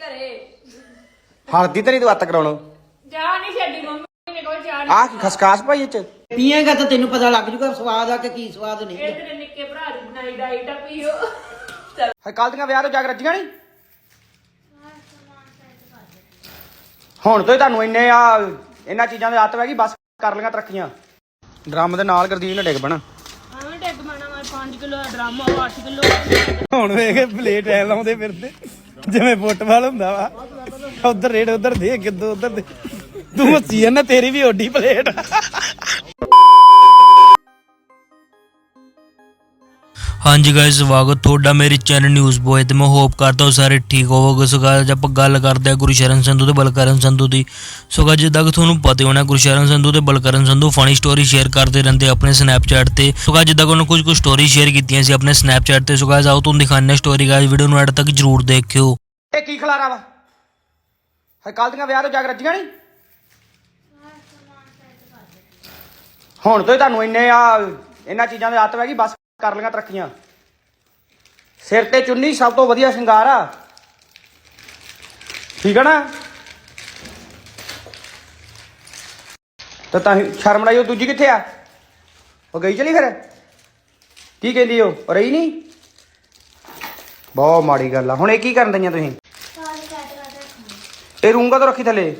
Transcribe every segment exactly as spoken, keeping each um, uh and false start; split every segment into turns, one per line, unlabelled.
ਘਰੇ
ਹਲਦੀ ਤੇ ਨਹੀਂ ਤੂੰ ਅੱਤ ਕਰਾਉਣੋ
ਜਾ ਨਹੀਂ ਛੱਡੀ ਮੰਮੀ ਨੇ ਕੋਈ ਜਾਣ
ਆ ਕੀ ਖਸਕਾਸ ਭਾਈ ਇਹ ਚ
ਪੀਏਗਾ ਤਾਂ ਤੈਨੂੰ ਪਤਾ ਲੱਗ ਜੂਗਾ ਸਵਾਦ ਆ ਕਿ ਕੀ ਸਵਾਦ ਨਹੀਂ।
ਇਹ ਤੇਰੇ ਨਿੱਕੇ ਭਰਾ ਦੀ ਬਣਾਈ ਡਾਈਟ ਆ ਪੀਓ ਚਲ
ਹੈ ਕੱਲ ਦੀਆਂ ਵਿਆਹ ਤੋਂ ਜਾਗ ਰੱਜੀਆਂ ਨਹੀਂ ਹੁਣ ਤੋਂ ਹੀ ਤੁਹਾਨੂੰ ਇੰਨੇ ਆ ਇਹਨਾਂ ਚੀਜ਼ਾਂ ਦੀ ਆਦਤ ਪੈ ਗਈ ਬਸ ਕਰ ਲਈਆਂ ਤਰੱਕੀਆਂ। ਡਰਮ ਦੇ ਨਾਲ ਗਰਦੀਨ ਨੇ ਡਿੱਗ ਪੈਣਾ।
ਐਵੇਂ ਡੱਗ ਮਾਣਾ ਮੈਂ ਪੰਜ ਕਿਲੋ ਦਾ ਡਰਮ ਆ ਅੱਠ ਕਿਲੋ
ਹੁਣ ਵੇਖ ਪਲੇਟ ਐ ਲਾਉਂਦੇ ਫਿਰਦੇ ਜਿਵੇਂ ਫੁੱਟਬਾਲ ਹੁੰਦਾ ਵਾ। ਉਧਰ ਰੇਡ ਉਧਰ ਦੇ ਕਿੱਦੋਂ ਉਧਰ ਦੇ ਤੂੰ ਹੱਸੀ ਜਾਂਦਾ ਤੇਰੀ ਵੀ ਓਡੀ ਪਲੇਟ।
ਹਾਂਜੀ ਗਾਇਸ ਸਵਾਗਤ ਤੁਹਾਡਾ ਮੇਰੇ ਚੈਨਲ ਨਿਊਜ਼ ਬੋਏ ਤੇ ਮੈਂ ਹੋਪ ਕਰਦਾ ਹਾਂ ਸਾਰੇ ਠੀਕ ਹੋਵੋਗੇ। ਸੋ ਗਾਇਸ ਆਪਾਂ ਗੱਲ ਕਰਦੇ ਹਾਂ ਗੁਰਸ਼ਰਨ ਸੰਧੂ ਤੇ ਬਲਕਰਨ ਸੰਧੂ ਦੀ। ਸੋ ਗਾਇਸ ਜਿੱਦਾਂ ਕਿ ਤੁਹਾਨੂੰ ਪਤਾ ਹੋਣਾ ਗੁਰਸ਼ਰਨ ਸੰਧੂ ਤੇ Balkaran Sandhu funny story share ਕਰਦੇ ਰਹਿੰਦੇ ਆਪਣੇ ਸਨੈਪਚੈਟ ਤੇ। ਸੋ ਗਾਇਸ ਜਿੱਦਾਂ ਕਿ ਉਹਨਾਂ ਕੁਝ ਕੁ ਸਟੋਰੀ ਸ਼ੇਅਰ ਕੀਤੀਆਂ ਸੀ ਆਪਣੇ ਸਨੈਪਚੈਟ ਤੇ। ਸੋ ਗਾਇਸ ਆਓ ਤੁਹਾਨੂੰ ਦਿਖਾਉਂਦੇ ਹਾਂ ਸਟੋਰੀ। ਗਾਇਸ ਵੀਡੀਓ ਨੂੰ ਐਡ ਤੱਕ ਜਰੂਰ ਦੇਖਿਓ।
ਇਹ ਕੀ ਖਲਾਰਾ ਵਾ ਹੈ ਕੱਲ ਦੀਆਂ ਵਿਆਹ ਤੋਂ ਜਾਗ ਰੱਜੀਆਂ ਨਹੀਂ ਹੁਣ ਤੋਂ ਹੀ ਤੁਹਾਨੂੰ ਇੰਨੇ ਆ ਇਹਨਾਂ ਚੀਜ਼ਾਂ ਦੀ ਆਦਤ ਪੈ ਗਈ ਬਸ ਕਰ ਲਈਆਂ ਤਰੱਕੀਆਂ। ਸਿਰ ਤੇ ਚੁੰਨੀ ਸਭ ਤੋਂ ਵਧੀਆ ਸ਼ਿੰਗਾਰ ਆ ਠੀਕ ਆ ਨਾ। ਤਾਂ ਤਾਂ ਸ਼ਰਮ ਲਾਈ ਉਹ ਦੂਜੀ ਕਿੱਥੇ ਆ ਉਹ ਗਈ ਚਲੀ ਫਿਰ ਕੀ ਕਹਿੰਦੀ ਉਹ ਰਹੀ ਨਹੀਂ। ਬਹੁਤ ਮਾੜੀ ਗੱਲ ਆ। ਹੁਣ ਇਹ ਕੀ ਕਰਨ ਦਈਆਂ ਤੁਸੀਂ ਇਹ ਰੂੰਗਾ ਤੋਂ ਰੱਖੀ ਥੱਲੇ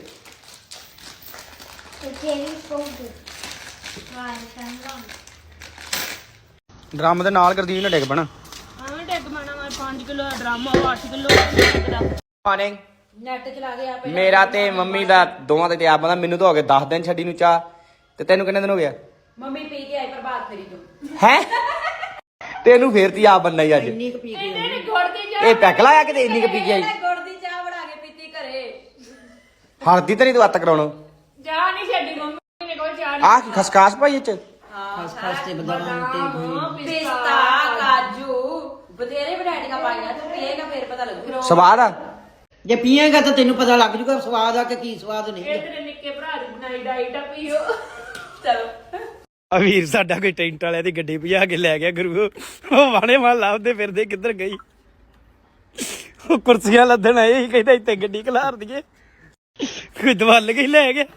ਡਰਮ ਦੇ ਨਾਲ ਗਰਦੀਨ ਨੇ ਡਿੱਗ ਪੈਣਾ।
ਐਵੇਂ ਡੱਗ ਮਾਣਾ ਮੈਂ ਪੰਜ ਕਿਲੋ ਦਾ ਡਰਮ ਆ ਅੱਠ ਕਿਲੋ
ਪਾਣੇ
ਨੈਟ ਚਲਾ ਗਿਆ ਪਹਿਲਾਂ
ਮੇਰਾ ਤੇ ਮੰਮੀ ਦਾ ਦੋਵਾਂ ਦੇ ਤੇ ਆਪ ਬੰਦਾ ਮੈਨੂੰ ਤਾਂ ਹੋ ਗਏ ਦਸ ਦਿਨ ਛੱਡੀ ਨੂੰ ਚਾਹ ਤੇ ਤੈਨੂੰ ਕਿੰਨੇ ਦਿਨ ਹੋ ਗਿਆ
ਮੰਮੀ ਪੀ ਕੇ ਆਈ ਪ੍ਰਭਾਤ ਫੇਰੀ ਤੋਂ
ਹੈ ਤੈਨੂੰ ਫੇਰ ਤੀ ਆਪ ਬੰਨਾ ਹੀ ਅੱਜ
ਇੰਨੀ ਕੁ ਪੀ ਕੇ
ਇਹਨੇ ਨੀ ਗੁੜ ਦੀ ਚਾਹ
ਇਹ ਪੈਕ ਲਾਇਆ ਕਿਤੇ ਇੰਨੀ ਕੁ ਪੀ ਕੇ ਆਈ
ਗੁੜ ਦੀ ਚਾਹ ਬਣਾ ਕੇ ਪੀਤੀ ਘਰੇ
ਹਲਦੀ ਤੇ ਨਹੀਂ ਤੂੰ ਅੱਤ ਕਰਾਉਣੋ
ਜਾ ਨਹੀਂ ਛੱਡੀ ਮੰਮੀ ਨੇ ਕੋਈ ਜਾਣ
ਆ ਕੀ ਖਸਕਾਸ ਭਾਈ ਇਹ ਚ
ਖਸਖਸ ਤੇ ਬਦਾਮ ਤੇ
ਪਿਸਤਾ ਕਾਜੂ ਬਥੇਰੇ ਵੈਰਾਈਟੀਆਂ ਪਾਈਆਂ ਤੂੰ ਪੀਏਗਾ ਫਿਰ ਪਤਾ ਲੱਗੂ
ਸਵਾਦ ਆ
ਜੇ ਪੀਏਗਾ ਤਾਂ ਤੈਨੂੰ ਪਤਾ ਲੱਗ ਜੂਗਾ ਸਵਾਦ ਆ ਕਿ ਕੀ ਸਵਾਦ ਨਹੀਂ।
ਇਹ ਤੇਰੇ ਨਿੱਕੇ ਭਰਾ ਦੀ ਬਣਾਈ ਡਾਈਟ ਆ ਪੀਓ ਚਲੋ
ਅਵੀਰ ਸਾਡਾ ਕੋਈ ਟੈਂਟ ਵਾਲਿਆਂ ਦੀ ਗੱਡੀ ਭਜਾ ਕੇ ਲੈ ਗਿਆ ਗੁਰੂ। ਉਹ ਵਾਣੇ ਮਾਲ ਲੱਭਦੇ ਫਿਰਦੇ ਕਿੱਧਰ ਗਈ। ਉਹ ਕੁਰਸੀਆਂ ਲੱਦਣ ਆਏ ਸੀ ਕਹਿੰਦਾ ਇੱਥੇ ਗੱਡੀ ਖਲਾਰ ਦਈਏ ਕੋਈ ਦਵਲ ਕੇ ਲੈ ਗਿਆ।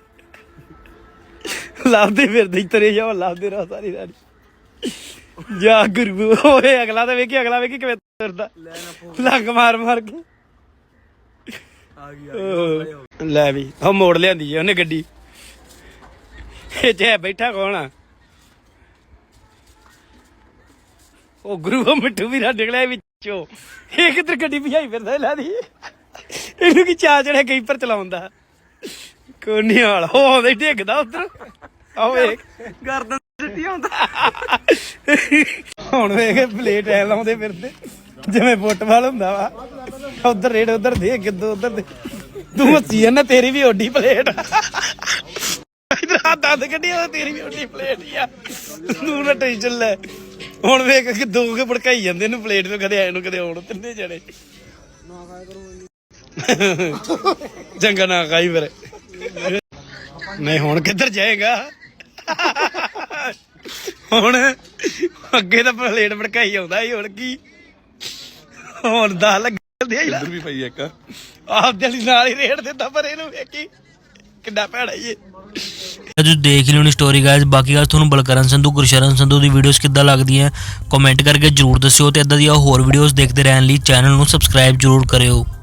ਲੱਭਦੇ ਫਿਰਦੇ ਤਰੇ ਜਾ ਲੱਭਦੇ ਰਹਾ ਸਾਰੀ ਸਾਰੀ ਜਾ ਗੁਰੂ। ਓਏ ਅਗਲਾ ਤਾਂ ਵੇਖੀ ਅਗਲਾ ਵੇਖੀ ਕਿਵੇਂ ਤੁਰਦਾ ਲੰਗ ਮਾਰ ਮਾਰ ਕੇ ਲੈ ਵੀ ਉਹ ਮੋੜ ਲਿਆਂਦੀ ਆ ਉਹਨੇ ਗੱਡੀ। ਇਹ ਚ ਬੈਠਾ ਕੌਣ ਆ ਉਹ ਗੁਰੂ ਉਹ ਮਿੱਠੂ ਵੀਰਾ ਨਿਕਲਿਆ ਵਿੱਚੋਂ। ਇਹ ਕਿੱਧਰ ਗੱਡੀ ਭਜਾਈ ਫਿਰਦਾ ਲਾ ਦੀ ਇਹਨੂੰ ਕੀ ਚਾਹ ਚੜਿਆ ਕਈਪਰ ਚਲਾਉਂਦਾ ਕੋਨੀ ਵਾਲਾ ਉਹ ਆਉਂਦਾ ਹੀ ਡਿੱਗਦਾ ਉਧਰ ਆਹ ਵੇਖ ਗਰਦਨ ਸਿੱਟੀ ਆਉਂਦਾ। ਹੁਣ ਵੇਖ ਪਲੇਟ ਐ ਲਾਉਂਦੇ ਫਿਰਦੇ ਜਿਵੇਂ ਫੁੱਟਬਾਲ ਹੁੰਦਾ ਵਾ। ਉਧਰ ਰੇਡ ਉਧਰ ਦੇ ਕਿੱਦੋਂ ਉਧਰ ਦੇ ਤੂੰ ਹੱਸੀ ਜਾਂਦਾ ਤੇਰੀ ਵੀ ਓਡੀ ਪਲੇਟ। ਇਧਰ ਆ ਦੰਦ ਕੱਢਿਆ ਤੇਰੀ ਵੀ ਓਡੀ ਪਲੇਟ ਹੀ ਆ ਤੂੰ ਨਾ ਟੈਨਸ਼ਨ ਲੈ। ਹੁਣ ਵੇਖ ਕਿ ਦੋ ਕੇ ਭੜਕਾਈ ਜਾਂਦੇ ਇਹਨੂੰ ਪਲੇਟ ਨੂੰ ਕਦੇ ਆਏ ਨੂੰ ਕਦੇ ਆਉਣ ਤਿੰਨੇ ਜਣੇ ਚੰਗਾ ਨਾ ਖਾਈ ਫਿਰ ਨਹੀਂ ਹੁਣ ਕਿੱਧਰ ਜਾਏਗਾ। ਹੁਣ ਅੱਗੇ ਤਾਂ ਪਲੇਟ ਭੜਕਾਈ ਆਉਂਦਾ ਸੀ ਹੁਣ ਕੀ ਹੁਣ ਦਾ ਲੱਗਦੇ ਇੱਧਰ ਵੀ ਪਈ ਇੱਕ ਆਪ ਜਲੀ ਨਾਲ ਹੀ ਰੇੜ ਦਿੰਦਾ ਪਰ ਇਹਨੂੰ ਵੇਖੀ ਕਿੰਨਾ ਭੈੜਾ ਹੀ ਇਹ।
ਤੁਸੀਂ ਦੇਖ ਲਿਓ ਨੀ ਸਟੋਰੀ ਗਾਇਸ। ਬਾਕੀ ਗੱਲ ਤੁਹਾਨੂੰ ਬਲਕਰਨ ਸੰਧੂ ਗੁਰਸ਼ਰਨ ਸੰਧੂ ਦੀ ਵੀਡੀਓਜ਼ ਕਿੱਦਾਂ ਲੱਗਦੀਆਂ ਕਮੈਂਟ ਕਰਕੇ ਜਰੂਰ ਦੱਸਿਓ ਤੇ ਇਦਾਂ ਦੀਆਂ ਹੋਰ ਵੀਡੀਓਜ਼ ਦੇਖਦੇ ਰਹਿਣ ਲਈ ਚੈਨਲ ਨੂੰ ਸਬਸਕ੍ਰਾਈਬ ਜਰੂਰ ਕਰਿਓ।